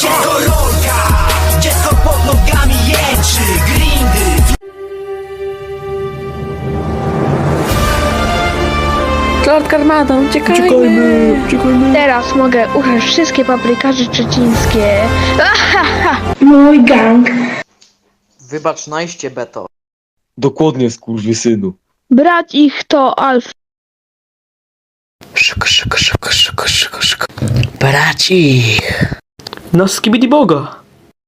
Dziecko rolka, dziecko pod nogami jęczy, grindy. Lord Karmada, uciekajmy! Teraz mogę użyć wszystkie paprykarze szczecińskie. Ahaha! Mój gang. Wybacz najście, Beto. Dokładnie, skurwysynu. Brać ich to Alf. Szybko. Braci! No skibidi boga!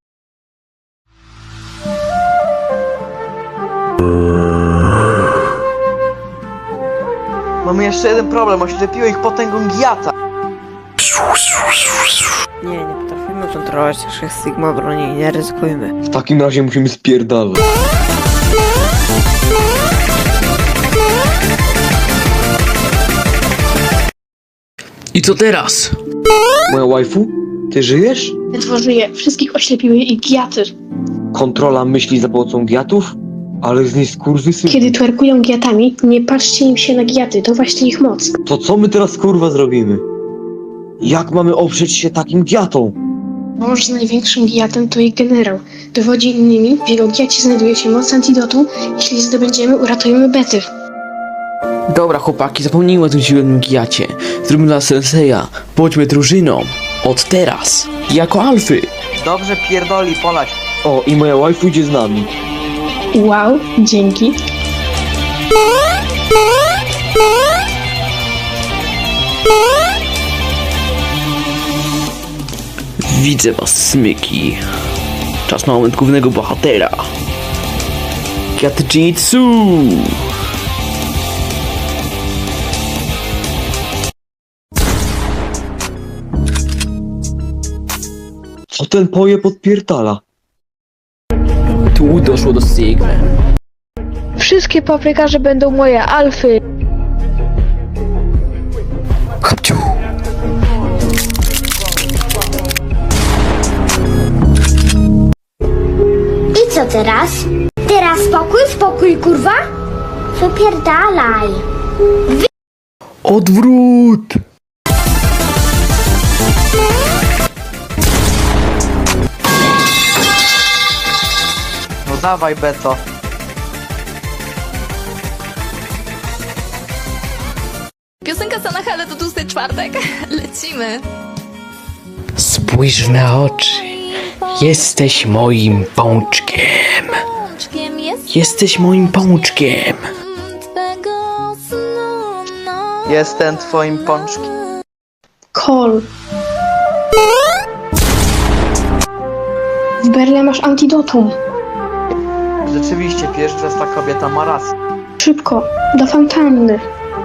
Mamy jeszcze jeden problem, oślepiło ich potęgą Giata. Nie potrafimy kontrolować naszych Sigma broni, nie ryzykujmy. W takim razie musimy spierdalać. I co teraz? Moja waifu? Ty żyjesz? Ledwo żyje. Wszystkich oślepiły ich giaty. Kontrola myśli za pomocą giatów? Ale z niej skurwysyn. Kiedy twerkują giatami, nie patrzcie im się na giaty. To właśnie ich moc. To co my teraz kurwa zrobimy? Jak mamy oprzeć się takim giatom? Mąż z największym giatem to ich generał. Dowodzi innymi, w jego giacie znajduje się moc antidotu. Jeśli zdobędziemy, uratujemy Bety. Dobra chłopaki, zapomnijmy o tym siłowym gijacie. Zróbmy dla Senseja. Bądźmy drużyną. Od teraz. Jako alfy. Dobrze pierdoli, polać. O, i moja waifu idzie z nami. Wow, dzięki. Widzę was, smyki. Czas na moment głównego bohatera. Kiatjitsu! Co ten poje podpierdala? Tu doszło do Sigmy. Wszystkie paprykarze będą moje Alfy. Hopciu! I co teraz? Teraz spokój, kurwa? Wypierdalaj. Odwrót! No dawaj, Beto. Piosenka Sanachale to tłusty czwartek. Lecimy. Spójrz w me oczy. Jesteś moim pączkiem. Pączkiem jest Jesteś moim pączkiem. twego snu. No. Jestem twoim pączkiem. Kol. W Berle masz antidotum. Rzeczywiście, pierwsza ta kobieta ma rację. Szybko, do fontanny.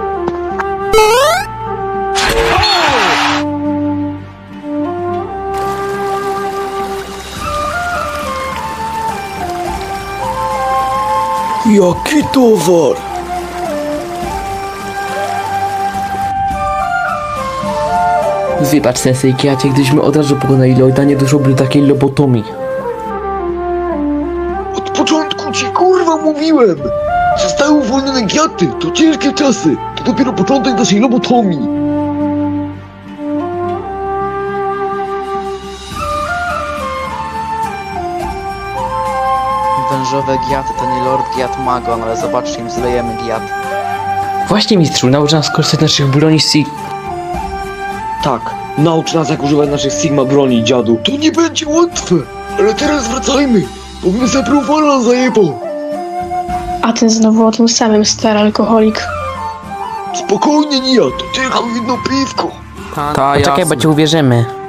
Jaki towar? Wybacz Sensei Kiacie, gdyśmy od razu pokonali Lloyda, nie doszłoby do takiej lobotomii. Od początku ci kurwa mówiłem! Zostały uwolnione giaty, to ciężkie czasy. To dopiero początek naszej lobotomii. Wężowe giaty to nie Lord Giat Magon, ale zobaczcie, im zlejemy giat. Właśnie mistrzu, naucz nas korzystać z naszych broni Tak, naucz nas jak używać naszych Sigma broni, dziadu. To nie będzie łatwe, ale teraz wracajmy, bo mnie zaprowala zajebał. A ten znowu o tym samym, stary alkoholik. Spokojnie, Nia, to tylko jedno piwko. Poczekaj, bo ci uwierzymy.